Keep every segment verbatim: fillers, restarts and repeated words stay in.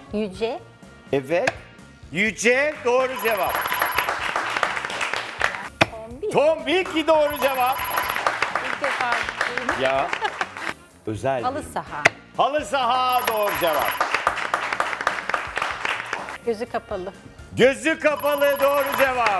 Yüce. Evet. Yüce doğru cevap. Tombik. Tombik doğru cevap. İlk defa duydum. Ya. Özel. Halı bir- saha. Halı saha doğru cevap. Gözü kapalı. Gözü kapalı doğru cevap.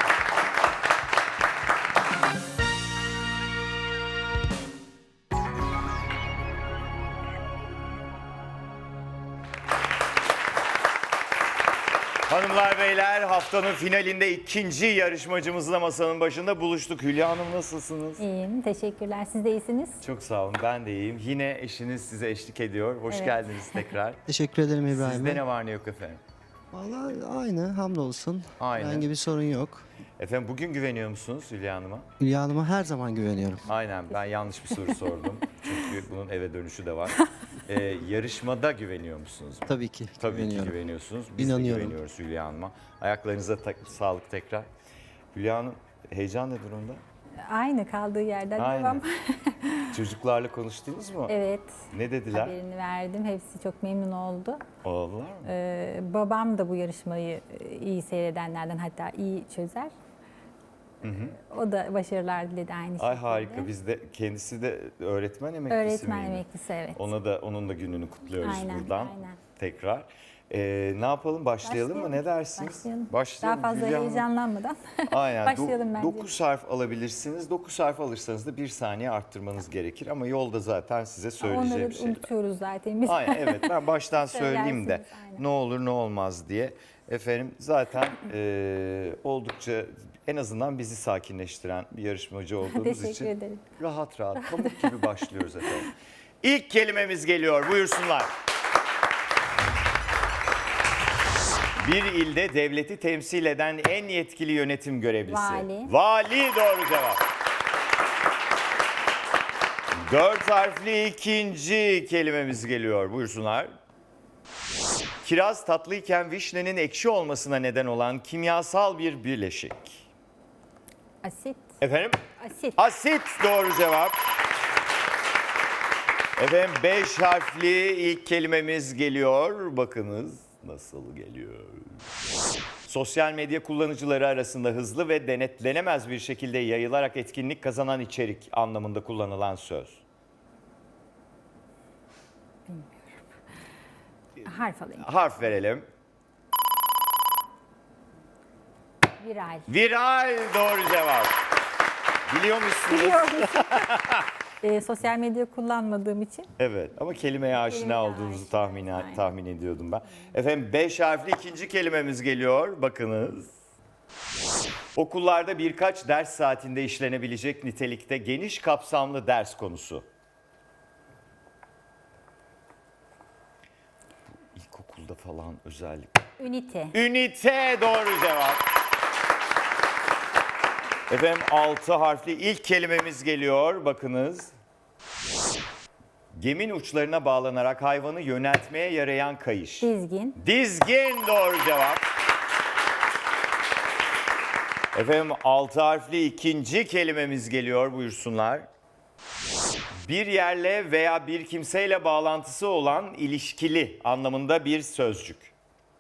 Hanımlar beyler, haftanın finalinde ikinci yarışmacımızla masanın başında buluştuk. Hülya Hanım nasılsınız? İyiyim. Teşekkürler. Siz de iyisiniz. Çok sağ olun, ben de iyiyim. Yine eşiniz size eşlik ediyor. Hoş Evet. geldiniz tekrar. Teşekkür ederim İbrahim Sizde Bey. ne var ne yok efendim? Vallahi aynı, hamdolsun. Aynı. Herhangi bir sorun yok. Efendim bugün güveniyor musunuz Hülya Hanım'a? Hülya Hanım'a her zaman güveniyorum. Aynen, ben yanlış bir soru sordum. Çünkü bunun eve dönüşü de var. Ee, yarışmada güveniyor musunuz? Tabii ki Tabii güveniyorum. ki güveniyorsunuz. Biz İnanıyorum. de güveniyoruz Hülya Hanım'a. Ayaklarınıza ta- sağlık tekrar. Hülya Hanım heyecan ne durumda? Aynı kaldığı yerden Aynen. devam. Çocuklarla konuştunuz mu? Evet. Ne dediler? Haberini verdim. Hepsi çok memnun oldu. Oldular mı? Ee, babam da bu yarışmayı e, iyi seyredenlerden, hatta iyi çözer. O da başarılar diledi aynı şekilde. Ay harika. Biz de kendisi de öğretmen emeklisi Öğretmen miydi? emeklisi, evet. Ona da onun da gününü kutluyoruz Aynen, buradan. aynen. Tekrar. Ee, ne yapalım? Başlayalım, mı? Ne dersiniz? Başlayalım. Başlayalım. Daha fazla Hülya Hanım. heyecanlanmadan Aynen. başlayalım bence. dokuz harf alabilirsiniz. dokuz harf alırsanız da bir saniye arttırmanız gerekir. Ama yolda zaten size söyleyeceğim Onları şeyler. unutuyoruz zaten biz. Aynen, evet, ben baştan söyleyeyim de Söylersiniz, aynen. ne olur ne olmaz diye. Efendim zaten e, oldukça en azından bizi sakinleştiren bir yarışmacı olduğumuz Teşekkür için ederim. rahat rahat pamuk gibi başlıyoruz efendim. İlk kelimemiz geliyor, buyursunlar. Bir ilde devleti temsil eden en yetkili yönetim görevlisi. Vali. Vali doğru cevap. Dört harfli ikinci kelimemiz geliyor. Buyursunlar. Kiraz tatlıyken vişnenin ekşi olmasına neden olan kimyasal bir birleşik. Asit. Efendim? Asit. Asit doğru cevap. Efendim beş harfli ilk kelimemiz geliyor. Bakınız nasıl geliyor. Sosyal medya kullanıcıları arasında hızlı ve denetlenemez bir şekilde yayılarak etkinlik kazanan içerik anlamında kullanılan söz. Harf alayım. Harf verelim. Viral. Viral doğru cevap. Biliyor musunuz? Biliyorum. e, sosyal medya kullanmadığım için. Evet, ama kelimeye aşina Kelimeye olduğunuzu aşina, tahmin, aynen. tahmin ediyordum ben. Efendim beş harfli ikinci kelimemiz geliyor. Bakınız. Okullarda birkaç ders saatinde işlenebilecek nitelikte geniş kapsamlı ders konusu. İlkokulda falan özellikle. Ünite. Ünite doğru cevap. Efendim altı harfli ilk kelimemiz geliyor. Bakınız. Gemin uçlarına bağlanarak hayvanı yöneltmeye yarayan kayış. Dizgin. Dizgin doğru cevap. Efendim altı harfli ikinci kelimemiz geliyor, buyursunlar. Bir yerle veya bir kimseyle bağlantısı olan ilişkili anlamında bir sözcük.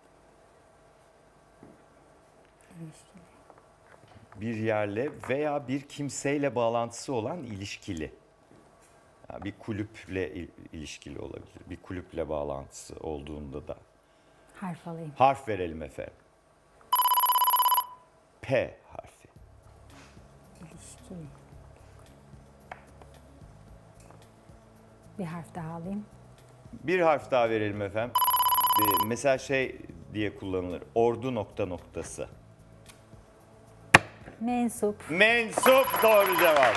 Bir yerle veya bir kimseyle bağlantısı olan ilişkili. Yani bir kulüple il- ilişkili olabilir. Bir kulüple bağlantısı olduğunda da. Harf alayım. Harf verelim efendim. P harfi. İlişkili. Bir harf daha alayım. Bir harf daha verelim efendim. Ee, Mesela şey diye kullanılır. Ordu nokta noktası. Mensup. Mensup doğru cevap.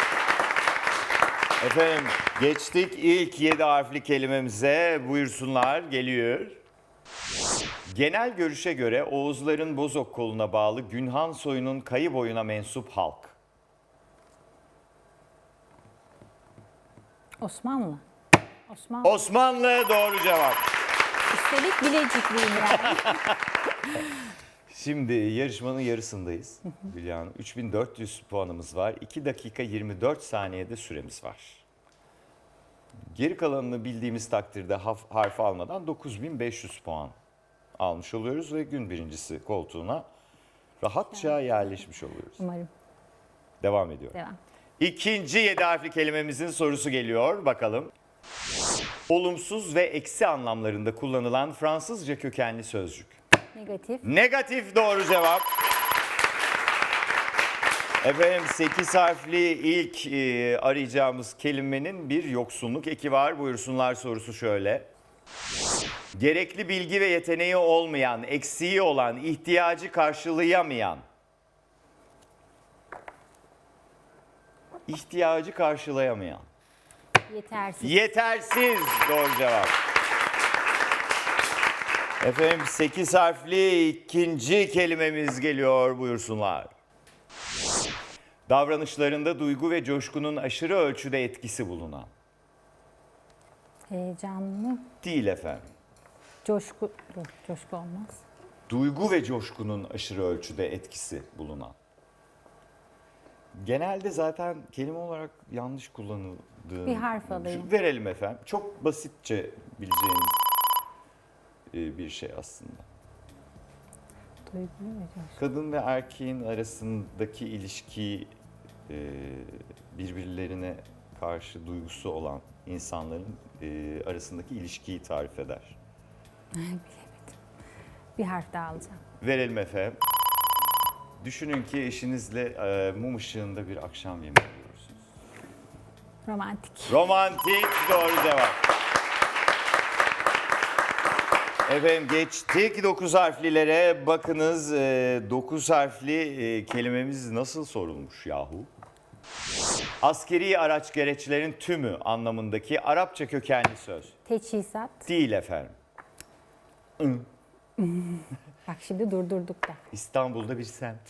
Efendim geçtik ilk yedi harfli kelimemize. Buyursunlar, geliyor. Genel görüşe göre Oğuzların Bozok koluna bağlı Günhan soyunun Kayı boyuna mensup halk. Osmanlı. Osmanlı. Osmanlı doğru cevap. Üstelik Bilecikliyim yani. Şimdi yarışmanın yarısındayız Hülya Hanım. üç bin dört yüz puanımız var. iki dakika yirmi dört saniyede süremiz var. Geri kalanını bildiğimiz takdirde haf- harf almadan dokuz bin beş yüz puan almış oluyoruz ve gün birincisi koltuğuna rahatça yerleşmiş oluyoruz. Umarım. Devam ediyor. Devam. İkinci yedi harfli kelimemizin sorusu geliyor. Bakalım. Olumsuz ve eksi anlamlarında kullanılan Fransızca kökenli sözcük. Negatif. Negatif doğru cevap. Efendim sekiz harfli ilk e, arayacağımız kelimenin bir yoksunluk eki var. Buyursunlar sorusu şöyle. Gerekli bilgi ve yeteneği olmayan, eksiği olan, ihtiyacı karşılayamayan. İhtiyacı karşılayamayan. Yetersiz. Yetersiz doğru cevap. Efendim sekiz harfli ikinci kelimemiz geliyor buyursunlar. Davranışlarında duygu ve coşkunun aşırı ölçüde etkisi bulunan. Heyecanlı. Değil efendim. Coşku. Yok, coşku olmaz. Duygu ve coşkunun aşırı ölçüde etkisi bulunan. Genelde zaten kelime olarak yanlış kullanıldığı. Bir harf alayım. Verelim efendim. Çok basitçe bileceğiniz e, bir şey aslında. Duygu ve coşku. Kadın ve erkeğin arasındaki ilişkiyi e, birbirlerine karşı duygusu olan insanların e, arasındaki ilişkiyi tarif eder. Bilemedim. Bir harf daha alacağım. Verelim efendim. Düşünün ki eşinizle e, mum ışığında bir akşam yemeği yiyorsunuz. Romantik. Romantik doğru cevap. Efendim geçtik dokuz harflilere. Bakınız dokuz harfli e, kelimemiz nasıl sorulmuş yahu? Askeri araç gereçlerin tümü anlamındaki Arapça kökenli söz. Teçhizat. Değil efendim. Bak şimdi durdurduk da. İstanbul'da bir semt.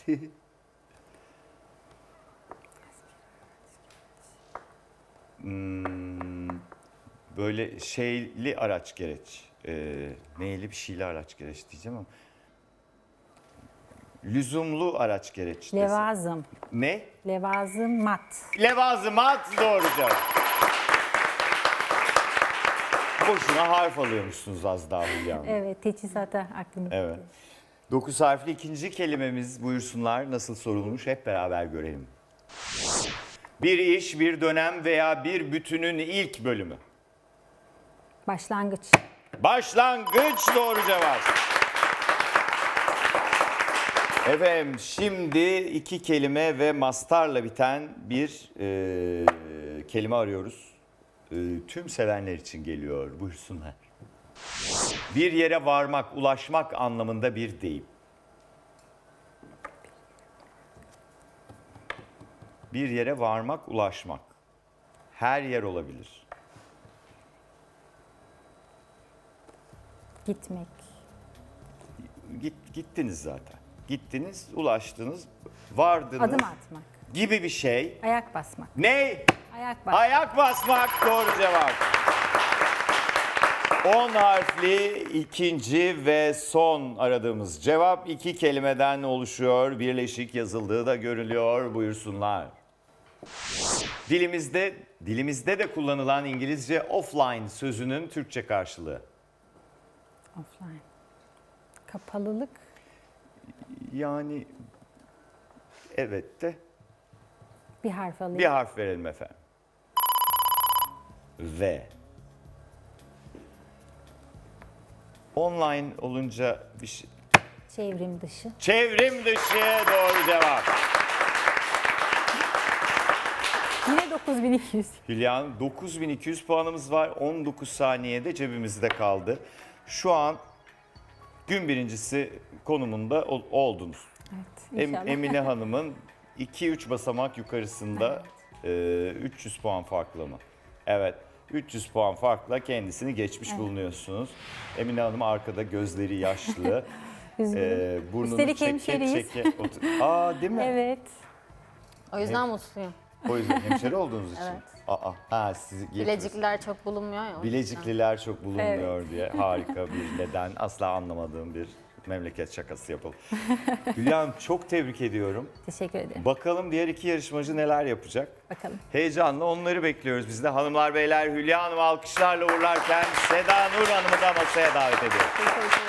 Hmm, böyle şeyli araç gereç. Ee, neyli bir şeyli araç gereç diyeceğim ama. Lüzumlu araç gereç. desem. Levazım. Ne? Levazımat. Levazımat doğru cevap. Boşuna harf alıyormuşsunuz az daha Hülya Hanım. Evet, teçhizata aklımda. Evet. Dokuz harfli ikinci kelimemiz buyursunlar nasıl sorulmuş hep beraber görelim. Bir iş, bir dönem veya bir bütünün ilk bölümü. Başlangıç. Başlangıç doğru cevap. Efendim şimdi iki kelime ve mastarla biten bir e, kelime arıyoruz. E, tüm sevenler için geliyor buyursunlar. Bir yere varmak, ulaşmak anlamında bir deyim. Bir yere varmak, ulaşmak. Her yer olabilir. Gitmek. Git, gittiniz zaten. Gittiniz, ulaştınız, vardınız Adım atmak. gibi bir şey. Ayak basmak. Ne? Ayak basmak. Ayak basmak doğru cevap. on harfli ikinci ve son aradığımız cevap iki kelimeden oluşuyor. Birleşik yazıldığı da görülüyor. Buyursunlar. Dilimizde dilimizde de kullanılan İngilizce offline sözünün Türkçe karşılığı. Offline. Kapalılık. Yani evet de Bir harf alayım. bir harf verelim efendim. V. Online olunca bir şey. Çevrim dışı. Çevrim dışı doğru cevap. Yine dokuz bin iki yüz. Hülya Hanım dokuz bin iki yüz puanımız var. on dokuz saniyede cebimizde kaldı. Şu an gün birincisi konumunda ol- oldunuz. Evet, Em- inşallah. Emine Hanım'ın iki üç basamak yukarısında e, üç yüz puan farklı mı? Evet. üç yüz puan farkla kendisini geçmiş bulunuyorsunuz. Emine Hanım arkada gözleri yaşlı. Üzgünüm. e, burnunu Üstelik çeke hemşeriyiz. çeke otur- Aa değil mi? Evet. O yüzden mutluyum. O yüzden hemşeri olduğunuz için. Evet. Aa, ha sizi geçmiş- Bilecikliler çok bulunmuyor ya. o yüzden. Bilecikliler çok bulunmuyor diye harika bir neden. Asla anlamadığım bir memleket şakası yapalım. Hülya Hanım çok tebrik ediyorum. Teşekkür ederim. Bakalım diğer iki yarışmacı neler yapacak? Bakalım. Heyecanla onları bekliyoruz biz de. Hanımlar beyler Hülya Hanım'ı alkışlarla uğurlarken Seda Nur Hanım'ı da masaya davet ediyoruz. Teşekkür ederim.